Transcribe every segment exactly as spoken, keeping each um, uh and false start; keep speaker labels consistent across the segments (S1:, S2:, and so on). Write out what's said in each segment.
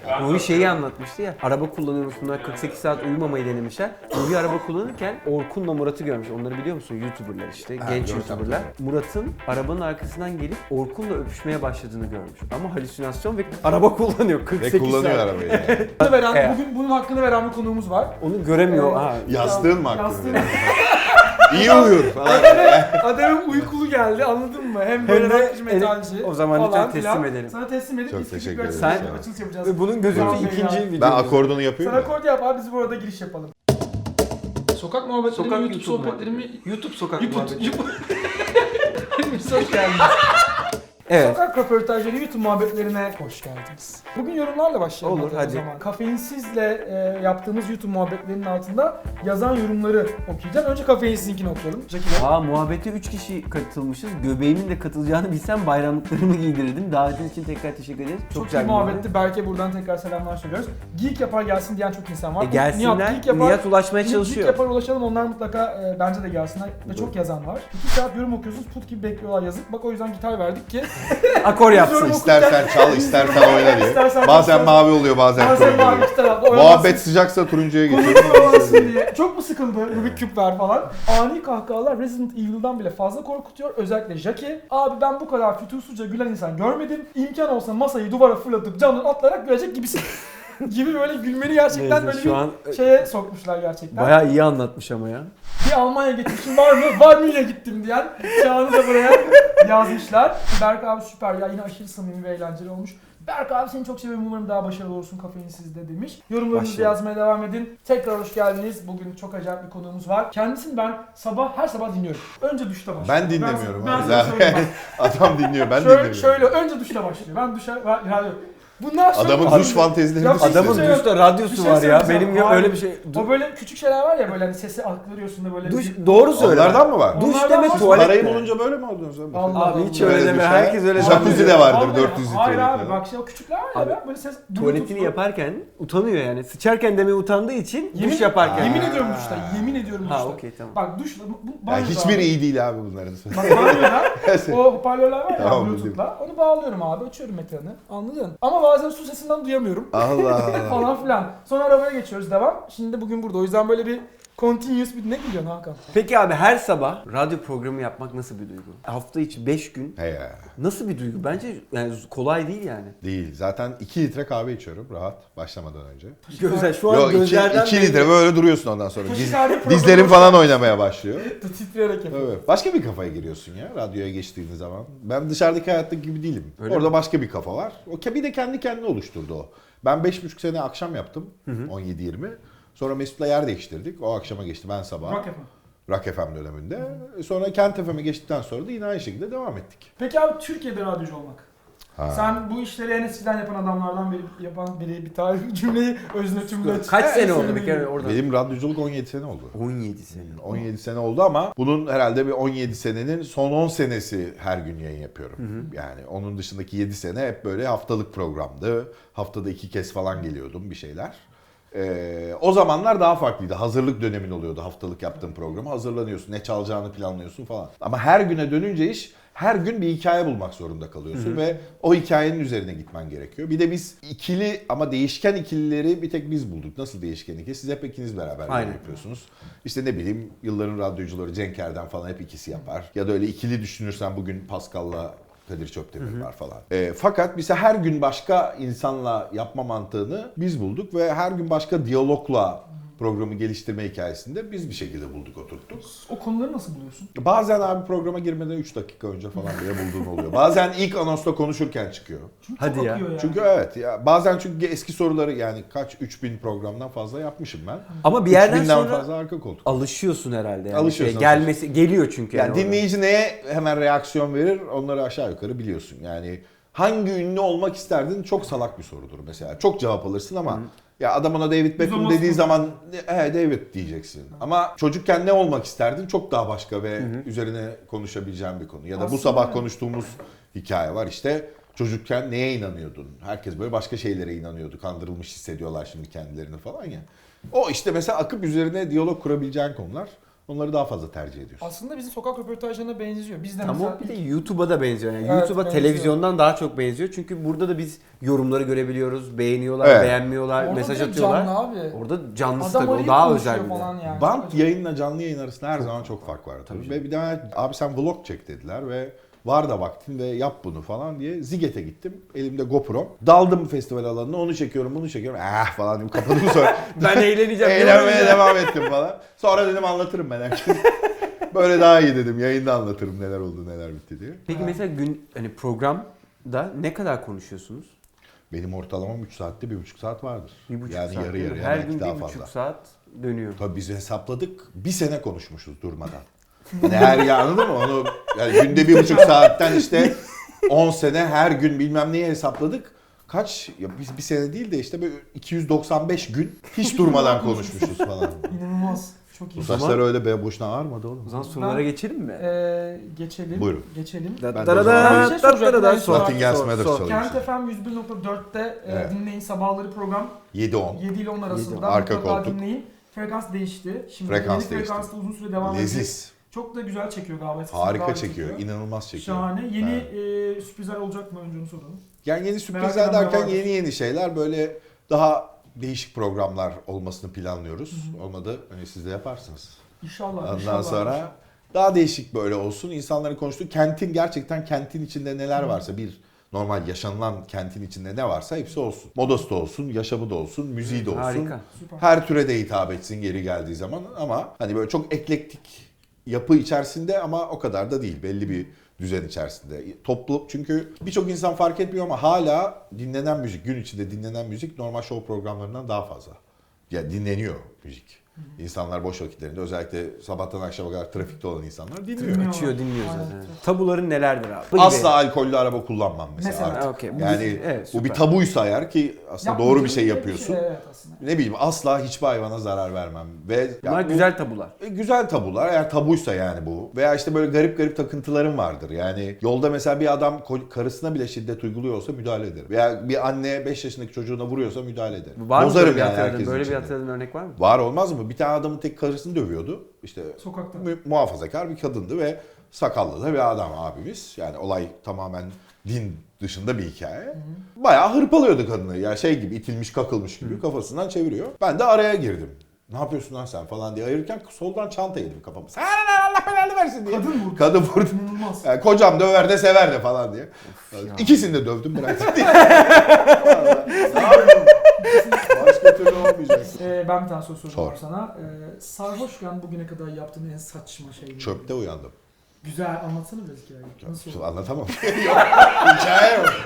S1: Nuri şeyi anlatmıştı ya. Araba kullanıyormuş bunlar kırk sekiz saat uyumamayı denemişler. Nuri araba kullanırken Orkun'la Murat'ı görmüş. Onları biliyor musun? YouTuber'lar işte.
S2: Ha,
S1: genç
S2: görsem
S1: YouTuber'lar. Murat'ın arabanın arkasından gelip Orkun'la öpüşmeye başladığını görmüş. Ama halüsinasyon ve araba kullanıyor kırk
S2: Ve
S1: sekiz
S2: kullanıyor
S1: saat.
S2: arabayı. Yani.
S3: Hakkını veren,
S1: Evet.
S3: bugün bunun hakkını veren bir konuğumuz var.
S1: Onu göremiyor.
S3: Ee,
S1: ha.
S2: Yastığın mı
S3: Yastığın-
S2: hakkında? İyi uyur falan.
S3: Adamın uykulu geldi, anladın mı? Hem böyle
S1: Hem de
S3: rockçı, metalci
S1: o zaman
S3: falan
S1: lütfen teslim
S3: filan.
S1: edelim.
S3: Sana teslim edip
S2: Çok
S3: biz küçük
S2: teşekkür
S3: bir
S2: ederim.
S3: açılış,
S1: Sen-
S3: açılış yapacağız.
S1: Ve bunun gözüktüğü
S3: Tamam,
S1: ikinci
S3: ya.
S1: video.
S2: Ben akordonu yapıyorum.
S3: Sen akord yap abi, biz burada giriş yapalım. Sokak muhabbetleri,
S1: Sokak
S3: YouTube,
S1: YouTube
S3: sohbetlerimi...
S1: YouTube sokak
S3: YouTube,
S1: muhabbeti.
S3: YouTube... Hepiniz hoş geldiniz.
S1: Evet.
S3: Sokak röportajları, YouTube muhabbetlerine hoş geldiniz. Bugün yorumlarla başlayalım.
S1: Olur,
S3: o
S1: hadi.
S3: zaman. Kafeinsizle e, yaptığımız YouTube muhabbetlerinin altında yazan yorumları okuyacağım. Önce kafeinsizinkini okuyalım. Jackie Bey.
S1: Aa muhabbete üç kişi katılmışız. Göbeğimin de katılacağını bilsem bayramlıklarımı giydirirdim. Davetin için tekrar teşekkür ederiz. Çok,
S3: Çok,
S1: güzel
S3: iyi
S1: bir
S3: muhabbetti. Berke buradan tekrar selamlar söylüyoruz. Geek yapar gelsin diyen çok insan var.
S1: E gelsinler.
S3: Nihat, Geek yapar,
S1: Nihat ulaşmaya
S3: Geek
S1: çalışıyor.
S3: yapar ulaşalım, onlar mutlaka e, bence de gelsinler. Ve çok yazan var. İki saat yorum okuyorsunuz, put gibi bekliyorlar, yazık. Bak o yüzden gitar verdik ki
S1: Akor yapsın.
S3: Yorum
S2: İstersen çal, istersen oyna diye.
S3: İstersen
S2: Bazen
S3: çal.
S2: mavi oluyor, bazen
S3: bazen
S2: turuncu
S3: mavi
S2: oluyor.
S3: iki tarafta
S2: Muhabbet sıcaksa turuncuya geçiyor.
S3: Konuşma olmasın diye. Çok mu sıkıldı Rubik Küp ver falan. Ani kahkahalar Resident Evil'dan bile fazla korkutuyor. Özellikle Jackie. Abi ben bu kadar fütursuzca gülen insan görmedim. İmkan olsa masayı duvara fırlatıp camdan atlayarak gülecek gibisin. gibi böyle gülmeni gerçekten
S1: Neyse,
S3: böyle
S1: şu
S3: bir
S1: an
S3: şeye sokmuşlar gerçekten.
S1: bayağı iyi anlatmış ama ya.
S3: Bir Almanya geçmişim var mı? Var mı, ile gittim diyen Çağan'ı da buraya yazmışlar. Berk abi süper ya, yine aşırı samimi ve eğlenceli olmuş. Berk abi seni çok seviyorum, umarım daha başarılı olursun kafeinsizde demiş. Yorumlarınızı
S1: Başlayalım.
S3: yazmaya devam edin. Tekrar hoş geldiniz. Bugün çok acayip bir konuğumuz var. Kendisini ben sabah her sabah dinliyorum. Önce duşta başlıyor.
S2: Ben dinlemiyorum
S3: Ben, ben
S2: abi.
S3: sana söyleyeyim bak.
S2: Adam dinliyor, ben
S3: şöyle,
S2: dinlemiyorum.
S3: şöyle önce duşta başlıyor. Ben duşa ben, yani bunlar sonra
S2: Adamın
S3: Abi-
S2: duş fantezilerini
S3: Ya,
S2: düşünsene.
S1: Adamın
S3: şey yok.
S1: duşta
S3: Bir
S1: radyosu
S3: şey
S1: var ya.
S3: söyleyeceğim.
S1: Benim ya
S3: Hayır.
S1: öyle bir şey.
S3: O böyle küçük şeyler var ya, böyle hani sesi aktarıyorsun da böyle.
S1: Duş,
S3: bir-
S1: doğru söyle.
S2: Onlardan mı var?
S1: Duş
S3: Onlardan
S1: deme
S3: var.
S1: tuvalet.
S2: Parayı
S1: de.
S2: bulunca böyle mi oldunuz abi?
S3: Allah
S1: Abi hiç
S3: Allah.
S1: öyle
S2: Öyle
S1: deme.
S2: bir şey.
S1: Herkes öyle
S2: Jacuzzi
S1: zannediyor.
S2: de vardır
S3: Vallahi-
S2: dört yüz litrelik
S3: Hayır abi
S2: falan.
S3: bak şey o küçükler var ya,
S1: Abi,
S3: ben böyle ses
S1: Tuvaletini
S3: Bluetooth'lu-
S1: yaparken utanıyor yani. Sıçarken demeye utandığı için
S3: Yemin,
S1: duş yaparken.
S3: yemin
S2: Ha.
S3: ediyorum duşta. Yemin ediyorum duşta.
S1: Ha okey tamam.
S3: Bak duşla bu, bu
S2: Yani
S3: banyoda
S2: hiçbiri
S3: abi.
S2: iyi değil abi bunların.
S3: Bak banyoda o hoparlörler var ya
S2: Tamam,
S3: Bluetooth'la. Onu bağlıyorum abi, açıyorum ekranı. Anladın? Ama bazen su sesinden duyamıyorum.
S2: Allah Allah.
S3: falan filan. Sonra arabaya geçiyoruz, devam. Şimdi bugün burada. O yüzden böyle bir continuous bir ne gülüyorsun Hakan?
S1: Peki abi her sabah radyo programı yapmak nasıl bir duygu? Hafta içi beş gün
S2: He ya.
S1: nasıl bir duygu? Bence yani kolay değil yani.
S2: Değil. Zaten iki litre kahve içiyorum rahat başlamadan önce.
S1: Gözler şu an
S2: Yok iki,
S1: gözlerden
S2: iki
S1: belli.
S2: litre böyle duruyorsun ondan sonra. Diz,
S3: Taşikardi programı
S2: dizlerin falan oynamaya başlıyor.
S3: Titreyerek yapıyor.
S2: Evet. Başka bir kafaya giriyorsun ya radyoya geçtiğin zaman. Ben dışarıdaki hayattaki gibi değilim.
S1: Öyle
S2: Orada
S1: mi?
S2: başka bir kafa var. O ke- bir de kendi kendine oluşturdu o. Ben beş buçuk sene akşam yaptım. on yedi yirmi. Sonra Mesut'la yer değiştirdik. O akşama geçti, ben sabah.
S3: Rock yapma.
S2: Rock F M döneminde. Sonra Kent F M'e geçtikten sonra da yine aynı şekilde devam ettik.
S3: Peki abi Türkiye'de radyocu olmak.
S2: Ha.
S3: Sen bu işleri en eskiden yapan adamlardan biri yapan biri bir tarih cümleyi özne tümle.
S1: Kaç sene oldu
S3: söyle
S1: bir kere
S3: bileyim.
S1: orada?
S2: Benim radyoculuk on yedi sene oldu.
S1: on yedi sene.
S2: on yedi sene oldu ama bunun herhalde bir on yedi senenin son on senesi her gün yayın yapıyorum. Yani onun dışındaki yedi sene hep böyle haftalık programdı. Haftada iki kez falan geliyordum bir şeyler. Ee, o zamanlar daha farklıydı. Hazırlık dönemin oluyordu haftalık yaptığım programa. Hazırlanıyorsun, ne çalacağını planlıyorsun falan. Ama her güne dönünce iş, her gün bir hikaye bulmak zorunda kalıyorsun. Hı hı. Ve o hikayenin üzerine gitmen gerekiyor. Bir de biz ikili ama değişken ikilileri bir tek biz bulduk. Nasıl değişken ikili? Siz hep ikiniz beraber
S1: Aynen.
S2: yapıyorsunuz. İşte ne bileyim yılların radyocuları Cenk Erdem falan hep ikisi yapar. Ya da öyle ikili düşünürsen bugün Pascal'la Kadir Çöptemir var falan. E, fakat bize her gün başka insanla yapma mantığını biz bulduk ve her gün başka diyalogla programı geliştirme hikayesinde biz bir şekilde bulduk, oturttuk.
S3: O konuları nasıl buluyorsun?
S2: Bazen abi programa girmeden üç dakika önce falan bile bulduğun oluyor. Bazen ilk anonsta konuşurken çıkıyor.
S3: Çünkü
S1: Hadi
S3: çok
S1: ya.
S3: akıyor yani.
S2: Çünkü evet ya bazen çünkü eski soruları yani kaç üç bin programdan fazla yapmışım ben.
S1: Ama bir yerden
S2: üç binden
S1: sonra
S2: fazla arka koltuk.
S1: alışıyorsun herhalde. Yani.
S2: Alışıyorsun,
S1: Şey, gelmesi geliyor çünkü.
S2: Yani
S1: orada.
S2: dinleyici neye hemen reaksiyon verir onları aşağı yukarı biliyorsun. Yani hangi ünlü olmak isterdin çok salak bir sorudur mesela. Çok cevap alırsın ama Hı. ya adam ona David Beckham
S3: Uzamaz
S2: dediği
S3: mı?
S2: zaman he David diyeceksin. Hı. Ama çocukken ne olmak isterdin çok daha başka ve Hı. üzerine konuşabileceğin bir konu. Ya da
S3: Aslında
S2: bu sabah
S3: yani.
S2: konuştuğumuz hikaye var işte. Çocukken neye inanıyordun? Herkes böyle başka şeylere inanıyordu. Kandırılmış hissediyorlar şimdi kendilerini falan ya. O işte mesela akıp üzerine diyalog kurabileceğin konular. Onları daha fazla tercih ediyorsun.
S3: Aslında bizim sokak röportajlarına benziyor. Biz de
S1: Ama
S3: mesela
S1: bir de YouTube'a da benziyor. Yani
S3: Evet,
S1: YouTube'a
S3: benziyor.
S1: televizyondan daha çok benziyor. Çünkü burada da biz yorumları görebiliyoruz. Beğeniyorlar,
S2: Evet.
S1: beğenmiyorlar,
S3: orada
S1: mesaj
S3: direkt
S1: atıyorlar.
S3: canlı abi.
S1: Orada canlısı
S3: Adam
S1: tabii. O
S3: arayıp
S1: daha
S3: konuşuyor
S1: özel bir de.
S3: falan yani.
S2: Bant
S3: Çok
S2: yayınla canlı yayın arasında her zaman çok fark var. Tabii. Ve bir de abi sen vlog çek dediler ve var da vaktin ve yap bunu falan diye Ziget'e gittim. Elimde GoPro. Daldım festival alanına, onu çekiyorum bunu çekiyorum. Ah falan dedim, kapadım sonra.
S1: Ben eğleneceğim.
S2: Eğlenmeye devam ettim falan. Sonra dedim anlatırım ben herkese. Böyle daha iyi dedim. Yayında anlatırım neler oldu neler bitti diye.
S1: Peki mesela gün hani programda ne kadar konuşuyorsunuz?
S2: Benim ortalamam üç saatte bir buçuk saat vardır.
S1: Bir buçuk
S2: yani
S1: saat.
S2: yarı
S1: değil mi?
S2: yarıya
S1: Her
S2: belki
S1: gün
S2: daha
S1: bir
S2: fazla.
S1: buçuk saat dönüyor.
S2: Tabii biz hesapladık. Bir sene konuşmuşuz durmadan. Hani her ya anladın mı? Onu yani günde bir buçuk saatten işte on sene her gün bilmem neyi hesapladık. Kaç? Ya biz bir sene değil de işte böyle iki yüz doksan beş gün hiç durmadan konuşmuşuz falan.
S3: İnanılmaz. Çok iyi.
S2: Bu saçlar öyle be boşuna ağarmadı oğlum.
S1: O zaman sorulara
S3: Ben-
S1: geçelim mi?
S3: Ee, geçelim.
S2: Buyurun.
S3: Geçelim.
S2: Ben de o
S1: Darada,
S2: zaman
S3: bir şey soracaktım.
S1: darada,
S3: Sor.
S2: Nottingham
S1: sor,
S2: Matters
S1: sor.
S2: çalayım
S3: Kent
S2: size.
S3: F M yüz bir nokta dörtte
S2: Evet.
S3: e, dinleyin sabahları program
S2: yedi on.
S3: yedi ile on arasında
S2: Arka
S3: mutlaka
S2: koltuk.
S3: dinleyin. Frekans değişti. Şimdi
S2: Frekans
S3: yeni
S2: değişti.
S3: frekansta uzun süre devam edecek.
S2: Leziz.
S3: Çok da güzel çekiyor galiba. Eskisinden daha
S2: Harika
S3: iyi
S2: çekiyor. İnanılmaz çekiyor.
S3: Şahane. Yeni
S2: Evet.
S3: e, sürprizler olacak mı önce onu soralım.
S2: Yani yeni
S3: Merak
S2: sürprizler
S3: edenler
S2: derken
S3: vardır.
S2: yeni yeni şeyler böyle daha değişik programlar olmasını planlıyoruz. Olmadı hani siz de yaparsınız.
S3: İnşallah.
S2: Ondan
S3: inşallah,
S2: sonra
S3: inşallah.
S2: daha değişik böyle olsun. İnsanların konuştuğu kentin gerçekten kentin içinde neler varsa bir normal yaşanılan kentin içinde ne varsa hepsi olsun. Modası da olsun, yaşamı da olsun, müziği de olsun.
S1: Harika.
S3: Süper.
S2: Her türe de hitap etsin geri geldiği zaman ama hani böyle çok eklektik yapı içerisinde ama o kadar da değil. Belli bir düzen içerisinde. Toplu çünkü birçok insan fark etmiyor ama hala dinlenen müzik, gün içinde dinlenen müzik normal show programlarından daha fazla. Ya dinleniyor müzik. İnsanlar boş vakitlerinde özellikle sabahtan akşama kadar trafikte olan insanlar dinliyor.
S3: Dinliyor.
S1: Açıyor dinliyor
S3: Aynen.
S1: zaten. Tabuların nelerdir abi? Bu
S2: Asla
S1: gibi.
S2: alkollü araba kullanmam mesela.
S3: Mesela.
S2: artık.
S1: Ha, okey. Bu-
S2: Yani
S1: evet,
S2: bu bir
S1: süper.
S2: tabuysa eğer ki aslında
S3: Yapmayacağım
S2: doğru bir şey
S3: diye
S2: yapıyorsun.
S3: Evet aslında.
S2: Ne bileyim asla hiçbir hayvana zarar vermem. Ve
S1: Bunlar
S2: ya bu-
S1: güzel tabular.
S2: E, Güzel tabular eğer tabuysa yani bu. Veya işte böyle garip garip takıntılarım vardır. Yani yolda mesela bir adam ko- karısına bile şiddet uyguluyor olsa müdahale ederim. Veya bir anne beş yaşındaki çocuğuna vuruyorsa müdahale ederim.
S1: Var mı
S2: Bozarım
S1: böyle bir
S2: yani
S1: hatırladığın,
S2: herkesin
S1: böyle bir
S2: içinde.
S1: hatırladığın örnek var mı?
S2: Var olmaz mı? Bir tane adamın tek karısını dövüyordu. İşte
S3: Sokakta.
S2: mu- muhafazakar bir kadındı ve sakallı da bir adam abimiz. Yani olay tamamen din dışında bir hikaye. Bayağı hırpalıyordu kadını. Ya şey gibi itilmiş kakılmış gibi kafasından çeviriyor. Ben de araya girdim. Ne yapıyorsun lan sen falan diye ayırırken soldan çanta yedim kafamı. Sen Allah belanı versin diye.
S3: Kadın vurdu.
S2: Kadın vurdu.
S3: İnanılmaz.
S2: Yani kocam döver de sever de falan diye. İkisini de dövdüm bıraktım diye. Vallahi. Ne yapayım? Başka türlü olmayacak.
S3: Ee, ben bir tane soru soracağım
S2: Sor.
S3: sana. Ee, sarhoşken bugüne kadar yaptığın en saçma şey neydi?
S2: Çöpte uyandım.
S3: Güzel anlatsana biraz hikayeyi. Nasıl oldu?
S2: Anlatamam. Yok, hikaye yok.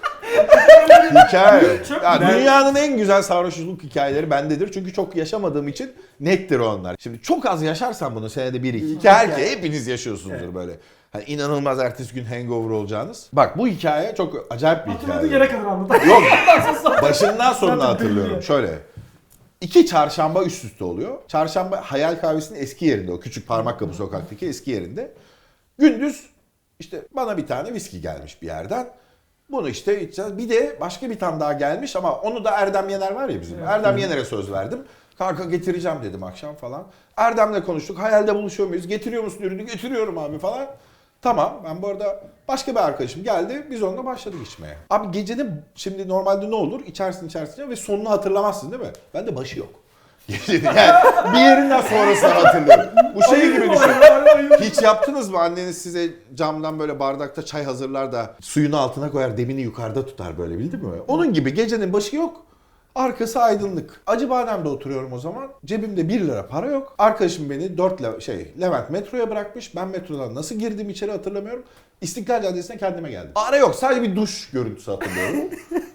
S2: Hikaye yok.
S3: Çok
S2: Ya
S3: güzel.
S2: dünyanın en güzel sarhoşluk hikayeleri bendedir. Çünkü çok yaşamadığım için nettir onlar. Şimdi çok az yaşarsan bunu senede bir iki. Ki herkes hepiniz yaşıyorsunuzdur böyle. Hani inanılmaz ertesi gün hangover olacağınız. Bak bu hikaye çok acayip bir
S3: Hatırladığın
S2: hikaye.
S3: yere kadar anlat.
S2: Yok başından sonuna
S3: Zaten
S2: hatırlıyorum.
S3: belli.
S2: Şöyle. İki çarşamba üst üste oluyor. Çarşamba Hayal Kahvesi'nin eski yerinde, o küçük Parmakkapı sokaktaki eski yerinde. Gündüz işte bana bir tane viski gelmiş bir yerden. Bunu işte içeceğiz. Bir de başka bir tane daha gelmiş ama onu da Erdem Yener var ya bizim.
S3: Evet.
S2: Erdem Yener'e söz verdim. Kanka getireceğim dedim akşam falan. Erdem'le konuştuk. Hayalde buluşuyor muyuz? Getiriyor musun ürünü? Getiriyorum abi falan. Tamam ben bu arada başka bir arkadaşım geldi. Biz onunla başladık içmeye. Abi gecenin şimdi normalde ne olur? İçersin içersin ve sonunu hatırlamazsın değil mi? Bende başı yok. Gecenin yani bir yerinden sonrasını hatırlıyorum. Bu şey gibi düşün. Hiç yaptınız mı? Anneniz size camdan böyle bardakta çay hazırlar da suyunu altına koyar, demini yukarıda tutar böyle bildin mi? Onun gibi gecenin başı yok. Arkası aydınlık. Acıbadem'de oturuyorum o zaman. Cebimde bir lira para yok. Arkadaşım beni dört le- şey Levent metroya bırakmış. Ben metrodan nasıl girdim içeri hatırlamıyorum. İstiklal Caddesi'ne kendime geldim. Ara yok. Sadece bir duş görüntüsü hatırlıyorum.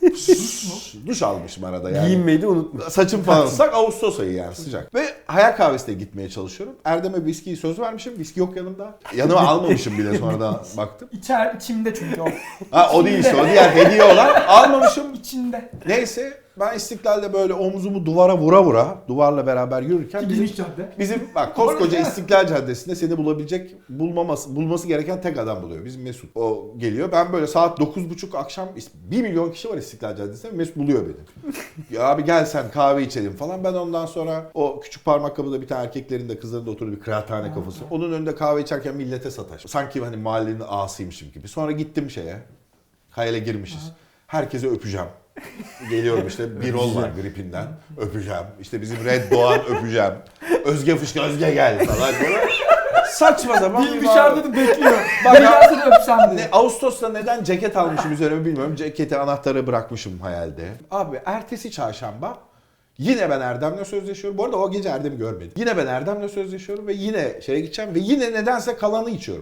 S2: Duş almışım arada yani.
S1: Giyinmeyi de unutmuş.
S2: Saçım falan ıslak. Ağustos ayı yani sıcak. Ve Hayal Kahvesi'ne gitmeye çalışıyorum. Erdem'e viskiyi söz vermişim. Viski yok yanımda. Yanıma almamışım bile sonradan baktım.
S3: İçer, içimde çünkü o.
S2: Ha o değil işte o diğer hediye olan. Almamışım.
S3: İçinde.
S2: Neyse ben İstiklal'de böyle omzumu duvara vura vura duvarla beraber yürürken bizim,
S3: Geniş cadde.
S2: bizim bak koskoca İstiklal Caddesi'nde seni bulabilecek bulmaması bulması gereken tek adam buluyor. Biz bizim Mesut. O geliyor. Ben böyle saat dokuz buçuk akşam bir milyon kişi var İstiklal Caddesi'nde. Mesut buluyor beni. Ya abi gel sen kahve içelim falan. Ben ondan sonra o küçük parmak kapıda bir tane erkeklerin de kızların da oturduğu bir kıraathane kafası. Onun önünde kahve içerken millete sataş. Sanki hani mahallenin ağasıymışım gibi. Sonra gittim şeye. Hayale girmişiz. Herkese öpeceğim. Geliyorum işte bir rol var gripinden. Öpeceğim. İşte bizim Red Doğan öpeceğim. Özge Fışkı Özge gel falan. Böyle saçma sapan
S3: Dil
S2: bir
S3: dışarıda da bekliyor.
S2: Bak
S3: Ben
S2: ya-
S3: gelsene öpsem diye.
S2: Ne, Ağustos'ta neden ceket almışım üzerime bilmiyorum. Ceketi anahtarı bırakmışım hayalde. Abi ertesi çarşamba yine ben Erdem'le sözleşiyorum. Bu arada o gece Erdem'i görmedim. Yine ben Erdem'le sözleşiyorum ve yine şeye gideceğim ve yine nedense kalanı içiyorum.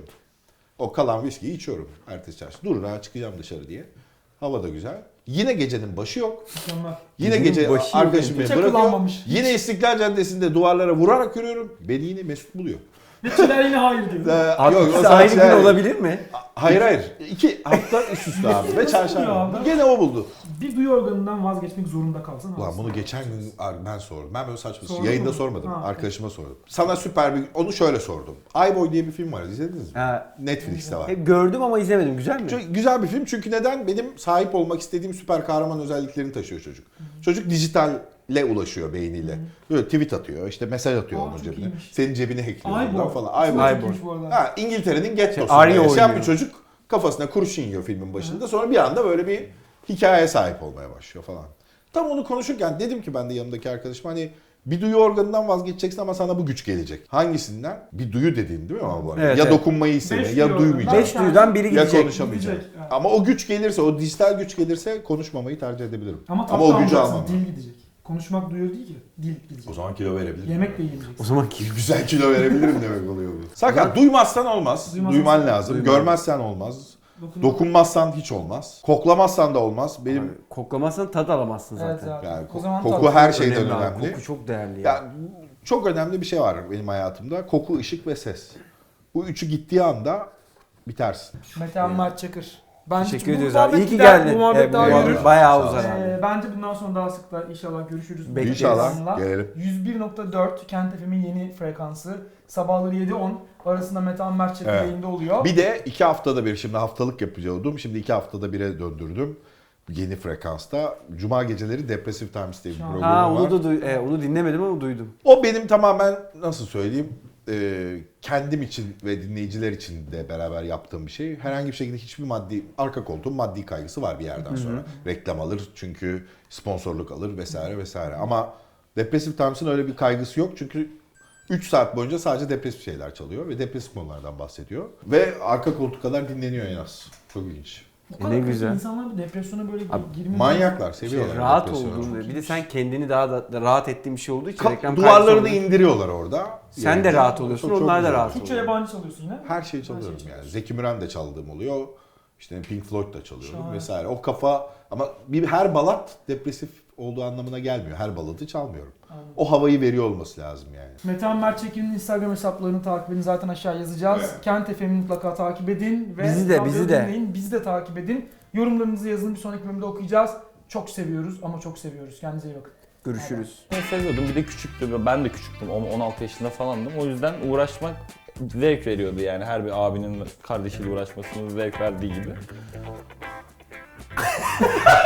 S2: O kalan viskiyi içiyorum ertesi çarşamba. Dur rahat çıkacağım dışarı diye. Hava da güzel. Yine gecenin başı yok.
S3: Mükemmel.
S2: Yine
S1: Gecenin
S2: gece
S1: başı
S2: arkadaşım
S1: yok.
S2: beni
S3: Hiç
S2: bırakıyor.
S3: akıllanmamış.
S2: Yine İstiklal Caddesi'nde duvarlara vurarak yürüyorum. Beni yine Mesut buluyor.
S3: Ve Çiler yine hayır diyor.
S2: Ee,
S1: Abi
S2: yok, o
S1: ikisi
S2: zaman
S1: aynı gün
S2: şey-
S1: olabilir mi?
S2: Hayır hayır. İki hafta üst üste abi ve
S3: Nasıl
S2: çarşamba.
S3: buluyor abi?
S2: Gene o buldu.
S3: Bir duyu organından vazgeçmek zorunda kalsan
S2: Ulan
S3: aslında.
S2: bunu geçen gün ben sordum. Ben böyle saçma
S3: Sordun
S2: yayında
S3: mu?
S2: sormadım.
S3: Ha.
S2: Arkadaşıma sordum. Sana süper bir onu şöyle sordum. iBoy diye bir film var. İzlediniz mi?
S1: Ha,
S2: Netflix'te var.
S1: hep gördüm ama izlemedim. Güzel mi?
S2: Çok güzel bir film çünkü neden? Benim sahip olmak istediğim süper kahraman özelliklerini taşıyor çocuk. Çocuk dijitalle ulaşıyor beyniyle. Böyle tweet atıyor, işte mesaj atıyor
S3: Aa,
S2: onun
S3: çok
S2: cebine.
S3: iyiymiş.
S2: Senin cebine hackliyor
S3: Aybo.
S2: ondan falan.
S3: İsmi
S2: iBoy.
S3: çok iyiymiş bu arada.
S2: Ha, İngiltere'nin gettosunda
S1: Arya
S2: yaşayan
S1: oynuyor.
S2: bir çocuk kafasına kurşun yiyor filmin başında. Sonra bir anda böyle bir hikayeye sahip olmaya başlıyor falan. Tam onu konuşurken dedim ki ben de yanımdaki arkadaşıma hani bir duyu organından vazgeçeceksin ama sana bu güç gelecek. Hangisinden? Bir duyu dediğin değil mi ama bu arada?
S1: Evet,
S2: ya
S1: evet.
S2: dokunmayı isteme,
S3: Beş
S2: ya
S3: duyu
S2: duymayacak.
S1: Beş duyudan biri
S2: Ya
S1: gidecek.
S2: konuşamayacak.
S3: Gidecek, evet.
S2: Ama o güç gelirse, o dijital güç gelirse konuşmamayı tercih edebilirim.
S3: Ama,
S2: Ama o gücü almam.
S3: Dil gidecek. Konuşmak duyuyor değil ki. Dil gidecek.
S2: O zaman kilo verebilirim.
S3: Yemek de yiyeceksin.
S1: O zaman ki
S2: Güzel kilo verebilirim demek oluyor bu. Sakat duymazsan olmaz.
S3: Duymazsan-
S2: Duyman lazım.
S1: Duyman.
S2: Görmezsen olmaz.
S3: Dokun-
S2: Dokunmazsan hiç olmaz. Koklamazsan da olmaz. Benim
S1: Abi, koklamazsan tad alamazsın
S3: Evet
S1: zaten.
S3: abi.
S2: yani
S3: O zaman
S2: koku
S3: tat-
S2: her şeyden
S1: Önemli abi,
S2: önemli.
S1: Koku çok değerli ya.
S2: Ya çok önemli bir şey var benim hayatımda. Koku, ışık ve ses. Bu üçü gittiği anda bitersin.
S3: Metehan Mert Çakır. Bence
S1: Teşekkür
S3: bu
S1: ediyoruz abi.
S3: muhabbet
S1: İyi ki
S3: gider,
S1: geldin.
S3: Bu muhabbet
S1: Evet,
S3: daha
S1: bu
S3: yürür.
S1: muhabbet bayağı
S2: Sağ ol.
S1: uzar abi.
S3: Ee, bence bundan sonra daha sık da inşallah görüşürüz.
S1: Bekleriz.
S2: İnşallah
S3: Metehan'la.
S2: gelelim.
S3: yüz bir nokta dört Kent F M'in yeni frekansı. Sabahları yedi on arasında Metehan Mert Çakır
S2: Evet.
S3: yayında oluyor.
S2: Bir de iki haftada bir, şimdi haftalık yapıyordum. Şimdi iki haftada bire döndürdüm. Yeni frekansta. Cuma geceleri Depressive Times diye bir
S3: Şahane.
S2: programı
S1: Ha
S2: var.
S1: onu da duy- e, onu dinlemedim ama duydum.
S2: O benim tamamen nasıl söyleyeyim e, kendim için ve dinleyiciler için de beraber yaptığım bir şey. Herhangi bir şekilde hiçbir maddi, arka koltuğun maddi kaygısı var bir yerden sonra. Reklam alır çünkü sponsorluk alır vesaire vesaire. Ama Depressive Times'ın öyle bir kaygısı yok çünkü üç saat boyunca sadece depresif şeyler çalıyor ve depresif konulardan bahsediyor. Ve arka koltuk kadar dinleniyor en az. Çok ilginç.
S3: Bu kadar
S1: Ne
S3: kötü
S1: güzel.
S3: İnsanlar bu depresyona böyle
S1: Abi,
S3: girmiyor.
S2: Manyaklar, seviyorlar.
S1: Şey, rahat
S2: depresyonu.
S1: olduğun ve bir de sen kendini daha da, da rahat ettiğin bir şey olduğu için
S2: Ka-
S1: reklam
S2: duvarlarını
S1: kaygısı olmuyor.
S2: indiriyor orada.
S1: Sen de rahat oluyorsun,
S2: çok- çok
S1: onlar da
S2: güzel.
S1: rahat
S3: Türkçe
S1: oluyor.
S3: yabancı çalıyorsun yine.
S2: Her şeyi çalıyorum
S3: Her şeyi
S2: yani. Zeki Müren de çaldığım oluyor. İşte Pink Floyd da çalıyorum
S3: Şahane.
S2: vesaire. O kafa ama bir her balat depresif olduğu anlamına gelmiyor. Her baladı çalmıyorum.
S3: Anladım.
S2: O havayı veriyor olması lazım yani.
S3: Metehan Mert Çakır'ın Instagram hesaplarını takip edin. Zaten aşağı yazacağız. Kent F M'i mutlaka takip edin. Ve
S1: Bizi de,
S3: radyoyu
S1: bizi de.
S3: dinleyin. Bizi de takip edin. Yorumlarınızı yazın. Bir sonraki bölümde okuyacağız. Çok seviyoruz ama çok seviyoruz. Kendinize iyi bakın.
S1: Görüşürüz.
S4: Ben seviyordum. Bir de küçüktü. Ben de küçüktüm. on altı yaşında falandım. O yüzden uğraşmak zevk veriyordu yani. Her bir abinin kardeşiyle uğraşmasının zevk verdiği gibi.